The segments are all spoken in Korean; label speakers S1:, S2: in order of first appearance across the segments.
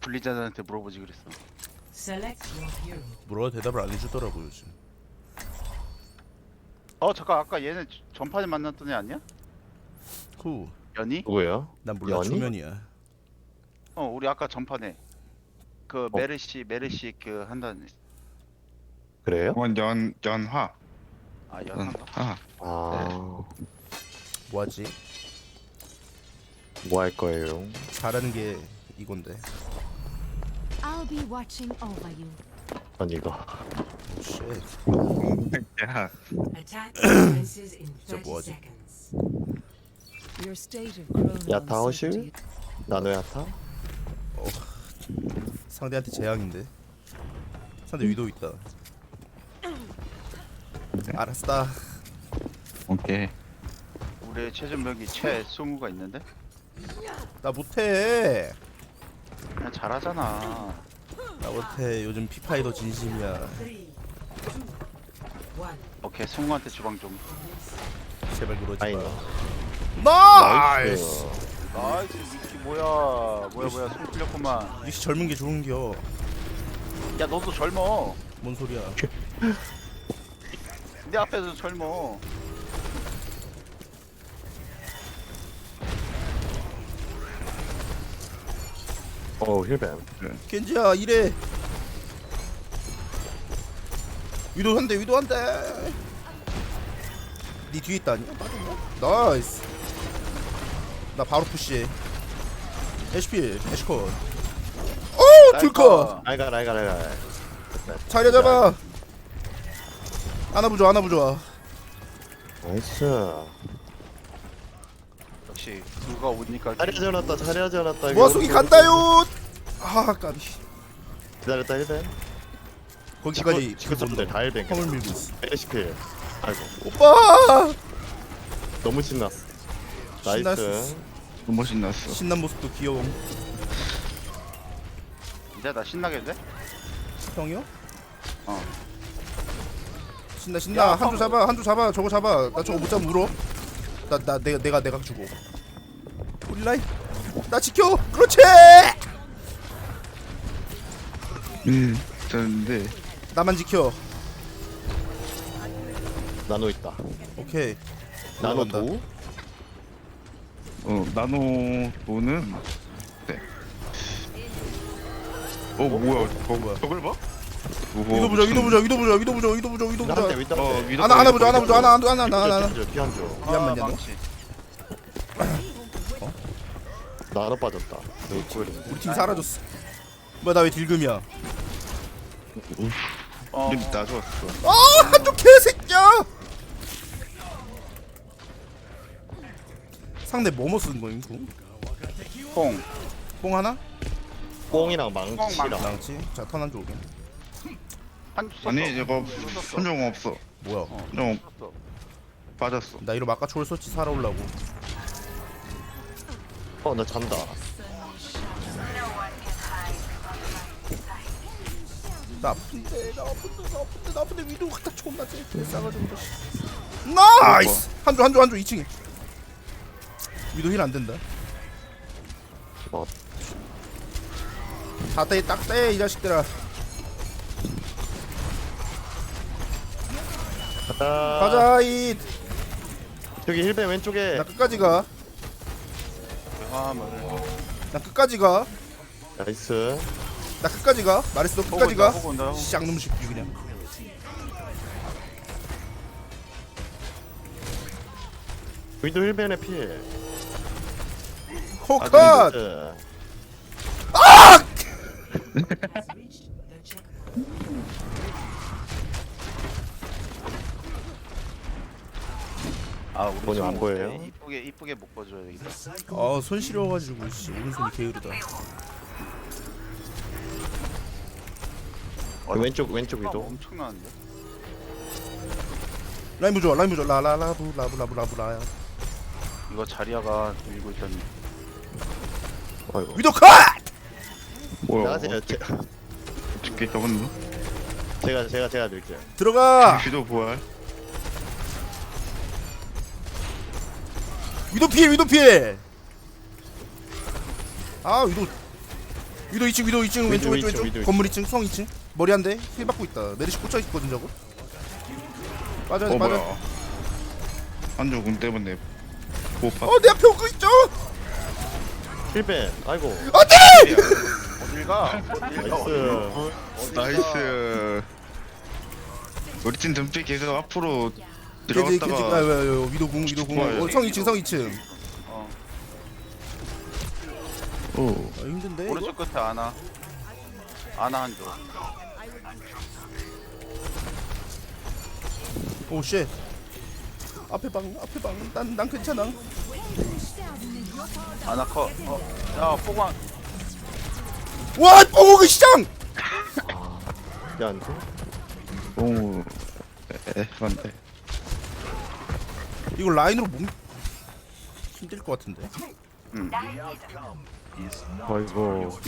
S1: 블리자드한테 물어보지 그랬어.
S2: 물어도 대답을 안 해주더라고 요즘.
S1: 잠깐 아까 얘네 전판에 만났던 애 아니야?
S2: 후.
S1: 연희?
S3: 누구예요?
S2: 난 몰라.
S3: 연희?
S2: 초면이야.
S1: 우리 아까 전판에 그 메르시 그 한다는.
S3: 그래요?
S4: 연화.
S1: 아 연한가?
S3: 아,
S2: 뭐하지?
S3: 뭐 할 거예요?
S2: 잘하는 게 이건데.
S5: I'll be watching over you.
S3: 전 이거.
S2: 오 쉣.
S4: 야,
S2: 진짜 뭐하지?
S5: Your state of growing
S3: 야타 허실?
S5: uncertainty.
S3: 나노 야타?
S2: 상대한테 재앙인데. 상대 위도 있다. 알았다.
S4: 오케이.
S1: 우리의 최전병기 최승우가 있는데?
S2: 나 못해.
S1: 그냥 잘하잖아.
S2: 나 못해. 요즘 피파이 더 진심이야.
S1: 오케이 승우한테 주방 좀.
S2: 제발 그러지
S3: 아이노.
S2: 마. 나이스.
S1: 나이스 미키 뭐야 승우 풀렸구만.
S2: 역시 젊은 게 좋은겨.
S1: 야 너도 젊어.
S2: 뭔 소리야?
S1: 내 앞에서 젊어.
S3: 힐뱀.
S2: 겐지야 이래. 위도 한대 위도 한대. 니 뒤에 있다 아니야? 맞았나? 나이스. 나 바로 푸시해. HP 애쉬컷. 오 줄컷.
S3: 알가.
S2: 자리 잡아. 하나 부좋아 하나 부좋아.
S3: 나이스.
S1: 역시 누가 오니까.
S3: 자리하지 않았다.
S2: 모아 속이 간다요. 아 까비.
S3: 기다렸다 힐뱀.
S2: 거기까지
S3: 직업들 다 힐뱀.
S2: 펌을 밀고 있어.
S3: HP. 아이고.
S2: 오빠.
S3: 너무 신났어.
S2: 신났어.
S3: 나이스.
S4: 너무 신났어.
S2: 신난 모습도 귀여움.
S1: 이제 나 신나게 돼?
S2: 형이요?
S1: 어.
S2: 신나
S1: 야,
S2: 한 줄 잡아 한 줄 잡아 저거 잡아. 나 저거 못 잡으면 울어. 나 내가 주고. 우리 라인 나 지켜. 그렇지.
S4: 저는데
S2: 나만 지켜.
S3: 나노 있다.
S2: 오케이.
S3: 나노
S2: 올라간다.
S3: 도?
S4: 나노도는 네. 뭐야? 저걸 봐?
S2: 위도 보자 위도 보자 위도 보자 위도 보자 위도 보자 위도 보자.
S3: 위
S4: 위도
S2: 하나 보자 하나 보자 하나.
S3: 피한조.
S2: 미안만 냐
S1: 망치.
S3: 나노 빠졌다.
S2: 우리 팀 사라졌어. 뭐야 나 왜 딜금이야?
S4: 나 좋았어.
S2: 아 한쪽 개새끼야. 상대 뭐뭐 쓰는 거임?
S1: 뽕.
S2: 뽕 하나?
S3: 뽕이랑 망치랑.
S2: 망치. 자 턴 한 줄 오게.
S1: 한주 썼어.
S4: 아니 이거 선정 없어.
S2: 뭐야?
S4: 좀
S1: 썼어.
S4: 빠졌어.
S2: 나 이러면 아까 초월소치 살아올라고.
S3: 나 잔다.
S2: 나 아픈데 위도 갖다 존나 쟤 싸가지고. 나이스. 한줄 2층에. 위도 힐 안 된다.
S3: 어.
S2: 딱대 이 자식들아. 가자 이.
S3: 저기 힐뱀 왼쪽에.
S2: 나 끝까지 가.
S1: 화물.
S2: 나 끝까지 가.
S3: 나이스.
S2: 나 끝까지 가. 말했어 끝까지 가.
S1: 보고 온다.
S2: 쌍놈 새끼 그냥.
S3: 위도 힐뱀의 피해.
S2: 코컷.
S3: 나이스.
S1: 우리
S3: 뭐냐, 안
S1: 승우
S3: 보여요?
S1: 이쁘게 못 봐줘야 되겠다.
S2: 손 시려가지고 씨 오른손이 게으르다.
S3: 왼쪽 위도.
S1: 엄청나는데?
S2: 라인 부좋아 라라라부라부라부라부라야.
S1: 이거 자리아가 밀고 있다니.
S3: 아이고.
S2: 위도 컷.
S4: 뭐야?
S3: 나가세요.
S4: 어떻게 저건
S3: 제가 드릴게요.
S2: 들어가.
S4: 위도 부활.
S2: 위도 피해. 아 위도 위도 2층 위도 2층 왼쪽
S3: 위도
S2: 왼쪽
S3: 2층, 위도
S2: 건물 2층 성 2층 머리 한 대 힐 받고 있다. 메르시 꽂혀 있거든 저거. 빠져 빠져.
S4: 뭐야 한조 군 때문에 못 봤.
S2: 내 앞에 오고 있죠.
S3: 힐벤. 아이고.
S2: 안돼.
S1: 어딜 가?
S3: 나이스.
S4: 나이스. 우리 팀 덤피 계속 앞으로
S2: 겐지
S4: 들어갔다가
S2: 위도 궁
S4: 좋아요.
S2: 성 2층 성 2층.
S1: 어.
S4: 오.
S2: 힘든데 이거?
S1: 오른쪽 끝에 아나 한조.
S2: 오 쉣. 앞에 방 난 괜찮아.
S1: 아나 컷. 야 포광.
S2: 와 뽕오그 시장.
S3: 야, 안 돼?
S4: 너무 애반데.
S2: 이거 라인으로 몸 힘들 것 같은데.
S3: 아이고.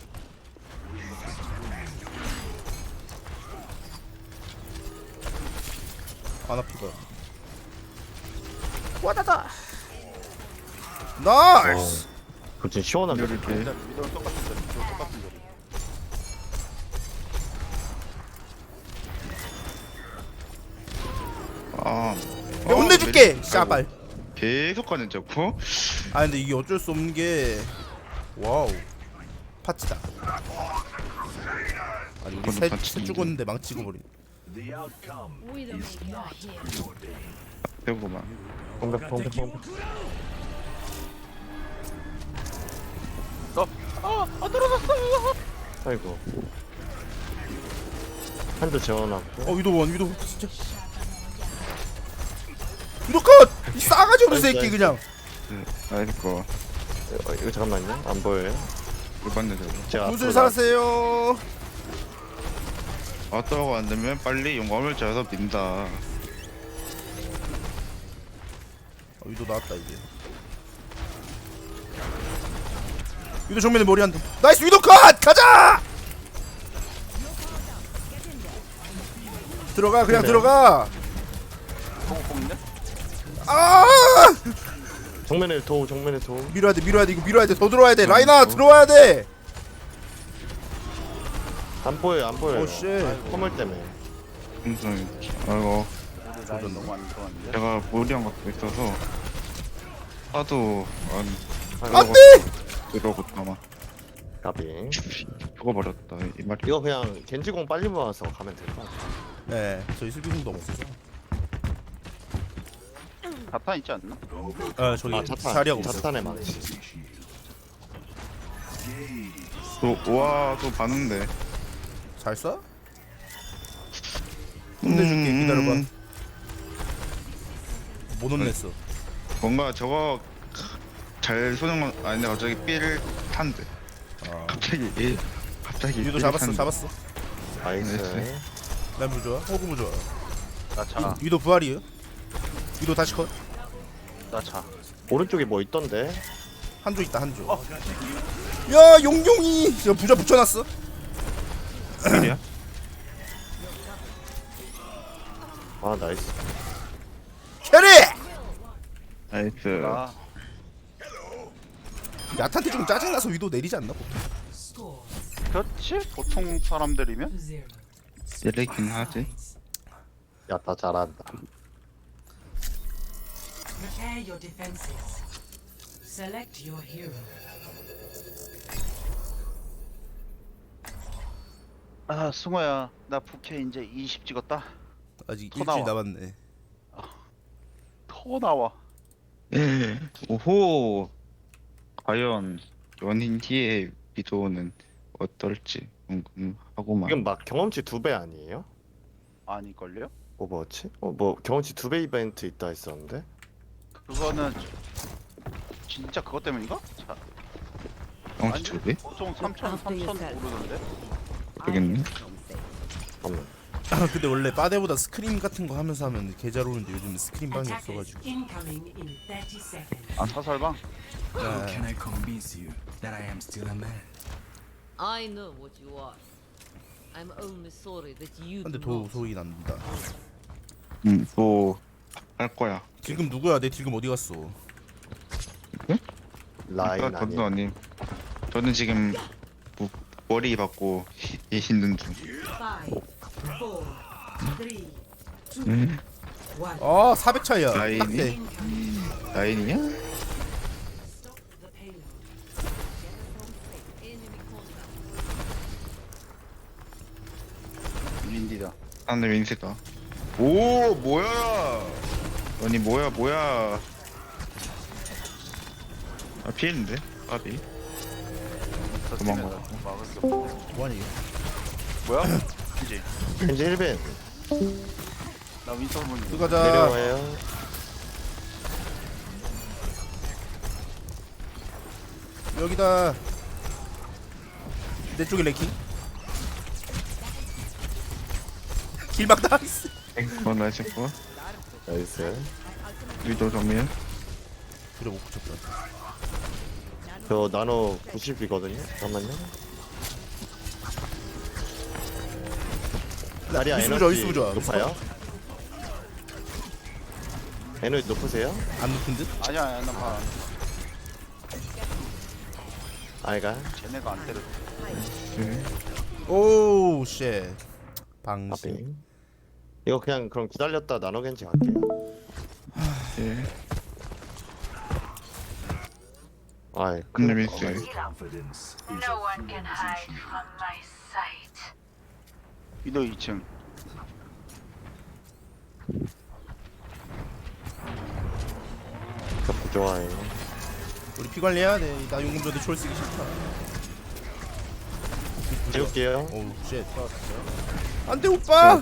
S2: 안 아프다. 와다다. 나이스.
S3: 그거 진짜 시원하네.
S4: 이렇게
S1: 위도랑 똑같은 자리. 위도랑 똑같은 자리.
S4: 아.
S2: 내가 혼내줄게. 샤발.
S4: 계속 가는 저거.
S2: 아 근데 이게 어쩔 수 없는 게 와우 파츠다. 아니 우리 셋 죽었는데 망 찍어버린.
S4: 배고만.
S3: 공백. 아이고. 한도 재워놨고.
S2: 위도 진짜. 위도 컷! 이 싸가지 없는 새끼 그냥.
S4: 아이고.
S3: 이거 잠깐만요. 안 보여요?
S4: 일반대 저거.
S3: 제가
S2: 무술
S3: 앞으로
S2: 사세요.
S4: 왔다고 안 되면 빨리 용감을 짜서 민다.
S2: 위도 나왔다 이제. 위도 정면에 머리 한 대. 나이스 위도 컷! 가자! 들어가 그냥
S3: 네.
S2: 들어가.
S1: 뽕인데?
S2: 아!
S3: 정면에 도.
S2: 밀어야 돼 이거 밀어야 돼. 더 들어와야 돼. 라이나 들어와야 돼.
S3: 안 보여요.
S2: 오 쉣.
S3: 허물 때문에.
S4: 무슨 아이고
S1: 우리 라인 너무 안 들어왔는데?
S4: 제가 무리한 것도 있어서 하도
S2: 안 돼!
S4: 이러고 아마
S3: 까비.
S4: 죽어버렸다 이 말이.
S3: 이거 그냥 겐지공 빨리 모아서 가면 될 것 같아.
S2: 네, 저희 슬비공도 없어서.
S1: 자탄 있지 않나?
S2: 아, 저기 자리하고 있어.
S3: 자탄에 많지.
S4: 또와또 봤는데.
S2: 잘 쏴? 혼내줄게. 기다려봐. 못 혼냈어.
S4: 뭔가 저거 잘 쏘는 건 아닌데 갑자기 삐를 탄대.
S2: 아.
S4: 갑자기
S2: 유도
S4: 삐를
S2: 잡았어,
S4: 탄대.
S2: 잡았어.
S3: 나이스.
S2: 난 부좋아. 호구 부좋아.
S1: 나 차.
S2: 유도 부활이에요. 유도 다시 컷.
S1: 나 차.
S3: 오른쪽에 뭐 있던데?
S2: 한조 있다 한조. 야 용용이. 저 부자 붙여놨어.
S4: 삐이야?
S3: 아 나이스.
S2: 캐리.
S4: 나이스.
S1: 나
S2: 야탄테 좀 짜증나서 위도 내리지 않나 보통.
S1: 그렇지? 보통 사람들이면?
S4: 때리긴 하지.
S3: 야 나 잘한다.
S6: Prepare your defenses. Select your hero.
S1: 아 승호야 나 부캐 이제 20 찍었다.
S2: 아직
S1: 더
S2: 일주일
S1: 나와.
S2: 남았네.
S1: 더 나와.
S4: 예. 오호. 과연 연인 뒤에 비도는 어떨지 궁금하고만.
S3: 지금 막 경험치 2배 아니에요?
S1: 아닐걸요?
S3: 오버워치? 뭐 경험치 2배 이벤트 있다 했었는데?
S1: 그거는 진짜 그것 때문인가? 자,
S4: 경치 저기?
S1: 보통 3,000 오르던데?
S4: 되겠네.
S3: 잠깐만.
S2: 근데 원래 빠데보다 스크림 같은 거 하면서 하면 개 잘 오는데 요즘 스크림 방이
S6: Attackers
S2: 없어가지고.
S6: incoming in 30 seconds.
S1: 아 사설방?
S7: How can I convince you that I am still a man?
S8: I know what you are. I'm only sorry that you
S2: 근데
S8: do
S2: 도
S8: not.
S2: 소리 납니다.
S4: 또 할 거야.
S2: 딜금 누구야? 내 딜금 어디 갔어?
S3: 라인
S4: 저도
S3: 아니야.
S4: 아님. 저는 지금 머리 받고 얘 힘든 중.
S6: 5, 4, 3, 2,
S4: 음.
S2: 아 400 차이야.
S4: 라인이?
S2: 딱대.
S4: 라인이냐?
S6: stop the payload.
S8: Enemy contact.
S1: 윈디다.
S4: 안돼 윈스다. 오 뭐야? 아니 뭐야? 아 피했는데? 아비. 도망가.
S1: 막을 게 없네.
S2: 뭐하니 이거?
S1: 뭐야? 이제
S3: 겐지 1벤
S1: 나 윈터 보니.
S2: 들어가자.
S3: 내려와요.
S2: 여기다. 내 쪽에 레킹. 길 막다.
S4: 나이스 거.
S3: 나이스.
S4: 위도 정면.
S2: 그래 못 붙였다.
S3: 저 나노 90이거든요. 잠깐만요. 다리야
S2: 유튜브 좋아,
S3: 에너지
S2: 유튜브 좋아.
S3: 높아요? 에너지 높으세요?
S2: 안 높은 듯?
S1: 아니야, 나 봐.
S3: 아이가
S1: 쟤네가 안 때려.
S2: 오우 쉣. 방심.
S3: 앞에 이거 그냥 그럼 기다렸다 나노 겐지 갈게요.
S4: 예.
S3: 아이
S4: 근데 윈스.
S7: Confidence is
S9: No one can hide from my sight.
S1: 위도 2층.
S3: 저 좋아해.
S2: 우리 피 관리해야 돼. 나 용금 줘도 초월 쓰기 싫다.
S3: 재울게요.
S2: 오우 쉣. 안돼 오빠.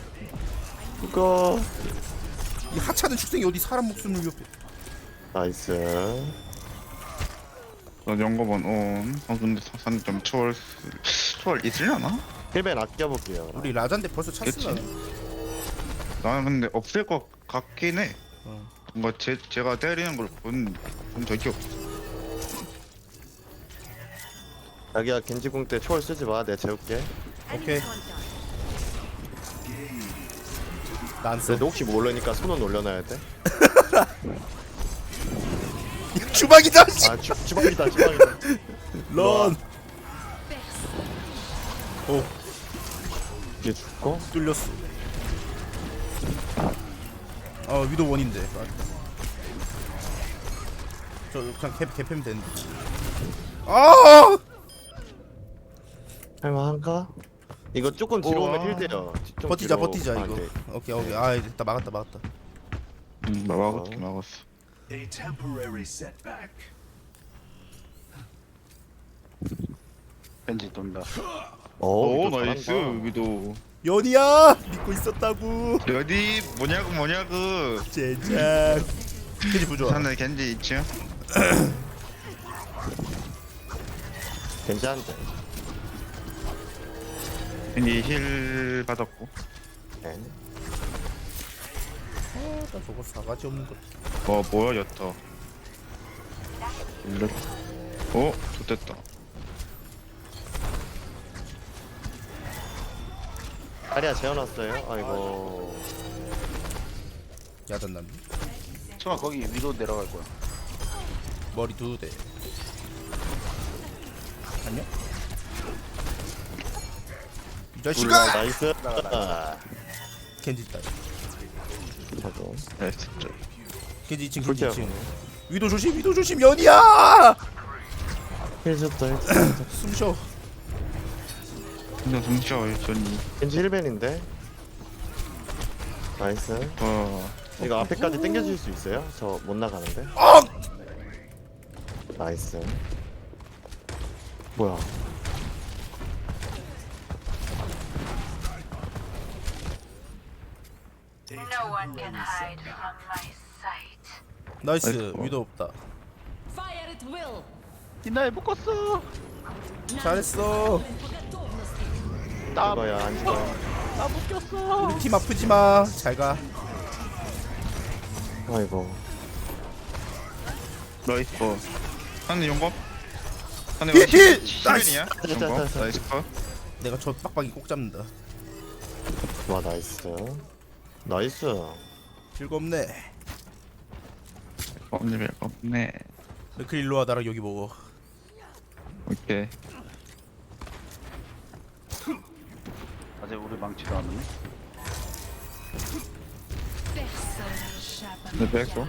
S3: 이거
S2: 이 하찮은 축생이 어디 사람 목숨을 위협해?
S3: 나이스.
S4: 나 연거번 온. 근데 사산 좀 초월 있으려나?
S3: 1벤 아껴볼게요.
S2: 우리 라잔데 벌써 찼으나?
S4: 나는 근데 없을 것 같긴 해.
S2: 어.
S4: 뭔가 제가 때리는 걸 본 적이 없어.
S3: 자기야 겐지궁 때 초월 쓰지 마. 내가 재울게.
S2: 오케이. 난 써.
S3: 그래도 혹시 모르니까 손은 올려놔야 돼.
S2: 주방이다. 씨.
S3: 아 주방이다 주방이다.
S2: 런. 오
S3: 이게 죽고.
S2: 뚫렸어. 위도 원인데. 저 그냥 개패면 되는데. 아!
S3: 할만한가? 이거 조금 뒤로
S4: 우와.
S3: 오면 힐돼요. 좀
S2: 버티자
S3: 뒤로.
S2: 버티자
S3: 아,
S2: 이거.
S3: 오케이.
S2: 오케이. 아 일단 막았다.
S4: 막았어.
S7: a temporary setback.
S1: 벤지 돈다.
S4: 오
S3: 이거
S4: 나이스
S3: 잘한다.
S4: 위도.
S2: 연이야 믿고 있었다고.
S4: 어디 뭐냐고.
S2: 제작. 겐지 부좋아.
S4: 산에 겐지 있지?
S3: 괜찮은데.
S4: 겐지 힐 받았고.
S3: 네.
S2: 나 저거 사가지 없는 거.
S4: 뭐야 였다.
S3: 일로.
S4: 좋됐다.
S3: 다리야 재워놨어요. 아이고.
S2: 야단 난.
S1: 청아 거기 위로 내려갈 거야.
S2: 머리 2대. 안녕. 이 자식아.
S3: 나이스.
S2: 겐지 있다.
S3: 저도.
S4: 나이스.
S2: 겐지 2층 겐지
S3: 그렇죠.
S2: 2층. 위도 조심 연이야.
S3: 힐 줬다 힐 줬다.
S2: 숨쉬어.
S4: 근데 동시에 전이.
S3: 겐지 1벤인데. 나이스. 이거 앞에까지 당겨줄 수 있어요? 저 못 나가는데. 나이스. 뭐야?
S9: No one can hide from my sight.
S2: 나이스.
S4: 아이고.
S2: 위도 없다.
S8: Fire at will.
S1: 이날 묶었어.
S2: 잘했어.
S3: 죽어야 안 죽어요.
S1: 나 묶였어.
S2: 우리 팀 아프지 마. 잘 가.
S3: 아이고.
S4: 나이스. 하늘 용검? 하늘
S2: 힐, 힐!
S4: 10벤이야? 용검?
S3: 나이스.
S4: 나이스 컷.
S2: 내가 저 빡빡이 꼭 잡는다.
S3: 와 나이스. 나이스.
S2: 즐겁네.
S4: 없네.
S2: 그 일로 와 나랑 여기 먹어.
S4: 오케이.
S1: 아직 우리 망치도 안 오네.
S4: 내 백도.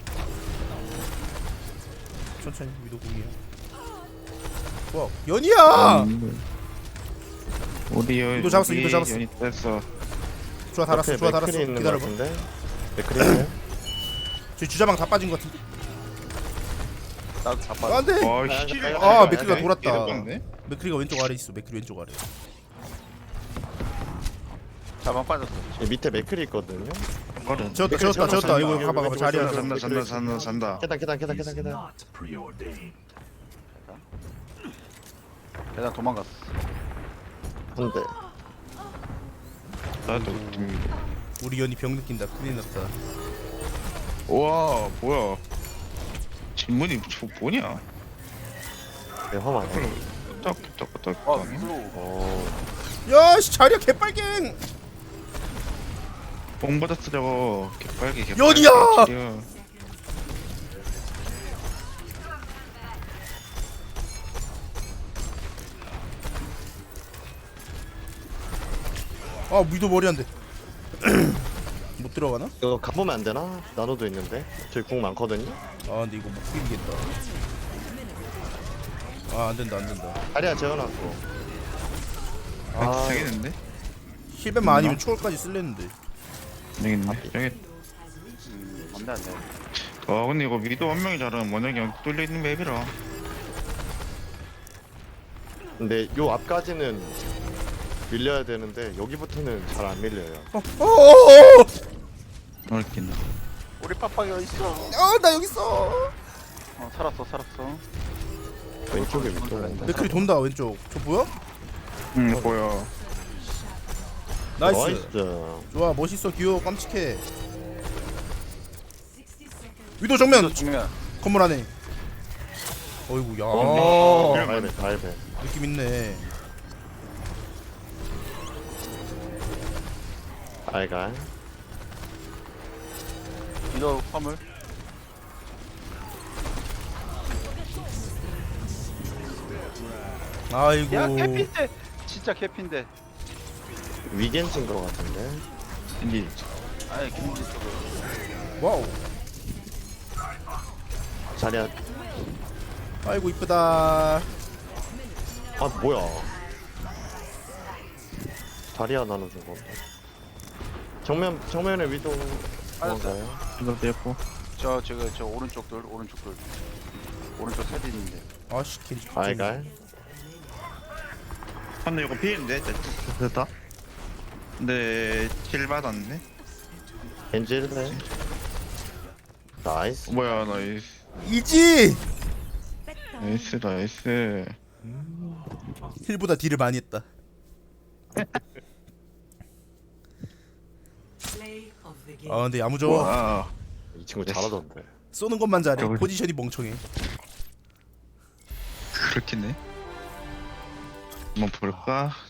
S2: 천천히 위도 공이야. 와 연이야.
S4: 우리 연.
S2: 이거 잡았어, 이거 잡았어.
S4: 연이 됐어.
S2: 좋아 달았어. 좋아 달았어.
S3: 맥크리 있는 거
S2: 기다려봐.
S3: 같은데. 맥크리 있네.
S2: 저 주자방 다 빠진 것 같은데.
S1: 나도 잡아.
S2: 안돼.
S4: 와
S3: 아,
S4: 씨.
S2: 아, 맥크리가 돌았다.
S4: 이랬던데?
S2: 맥크리가 왼쪽 아래 있어. 맥크리 왼쪽 아래.
S1: 자방 빠졌어.
S3: 이 밑에 맥크리 있거든요.
S4: 거든.
S2: 재웠다
S3: 맥크리
S2: 재웠다
S3: 재웠어,
S2: 재웠다. 이거
S3: 재웠어.
S2: 가봐 가봐. 자리야.
S4: 산다.
S3: 계단.
S6: Not
S7: Preordained.
S1: 계단 도망갔어.
S3: 한대.
S4: 나도 좀.
S2: 우리 연이 병 느낀다. 큰일 났다.
S4: 와 뭐야? 질문이 저 뭐냐?
S3: 내 화만.
S4: 딱.
S1: 어 위로.
S3: 어.
S2: 야씨 자리야 개빨갱.
S4: 뽕 받았어 저거. 개빨개.
S2: 연이야! 아 위도 머리 안 돼. 못 들어가나?
S3: 이거 가보면 안 되나? 나노도 있는데. 저기 궁 많거든요.
S2: 아 근데 이거 못 비비겠다. 아 안된다 안된다.
S3: 다리야 재워놨고.
S4: 아 되겠는데?
S2: 힐벤만 아니면 초월까지 쓸랬는데.
S4: 되겠네. 여기.
S1: 안돼 안돼.
S4: 와 근데 이거 미도 한 명이 잘하면 워낙 그냥 뚫려 있는 맵이라.
S3: 근데 요 앞까지는 밀려야 되는데 여기부터는 잘 안 밀려요.
S2: 어어어어!
S4: 넓긴.
S1: 우리 빡빡이 어디 있어?
S2: 아나 여기 있어.
S1: 살았어.
S3: 왼쪽에 밑으로.
S2: 맥클이 돈다 왼쪽. 저 뭐야?
S4: 응 보여.
S2: 나이스. 좋아 멋있어 귀여워 깜찍해. 위도 정면
S1: 중요한.
S2: 건물 안에. 어이구 야
S3: 달배.
S2: 느낌 있네.
S3: 알갈.
S1: 위로 화물.
S2: 아이고.
S1: 야 캐피인데. 진짜 캐피인데.
S3: 위겐진 거 같은데.
S4: 인지.
S1: 아니 김지 쪽으로.
S2: 와우.
S3: 자리야.
S2: 아이고 이쁘다.
S3: 아 뭐야? 다리야 나눠 준 건데. 정면에 위도 뭔가요?
S4: 이거 됐고.
S1: 저 오른쪽 돌. 오른쪽 사진 있는데.
S2: 아씨 겐지.
S3: 알갈.
S4: 근데 이거 피인데 됐다. 근데 킬 받았네.
S3: 겐지 1배. 나이스.
S4: 뭐야 나이스.
S2: 이지.
S4: 나이스.
S2: 힐보다 딜을 많이 했다.
S6: play of the game.
S2: 아 근데 야무져.
S4: 와.
S3: 이 친구 잘하던데.
S2: 쏘는 것만 잘해.
S4: 저기.
S2: 포지션이 멍청해.
S4: 그렇겠네. 한번 볼까?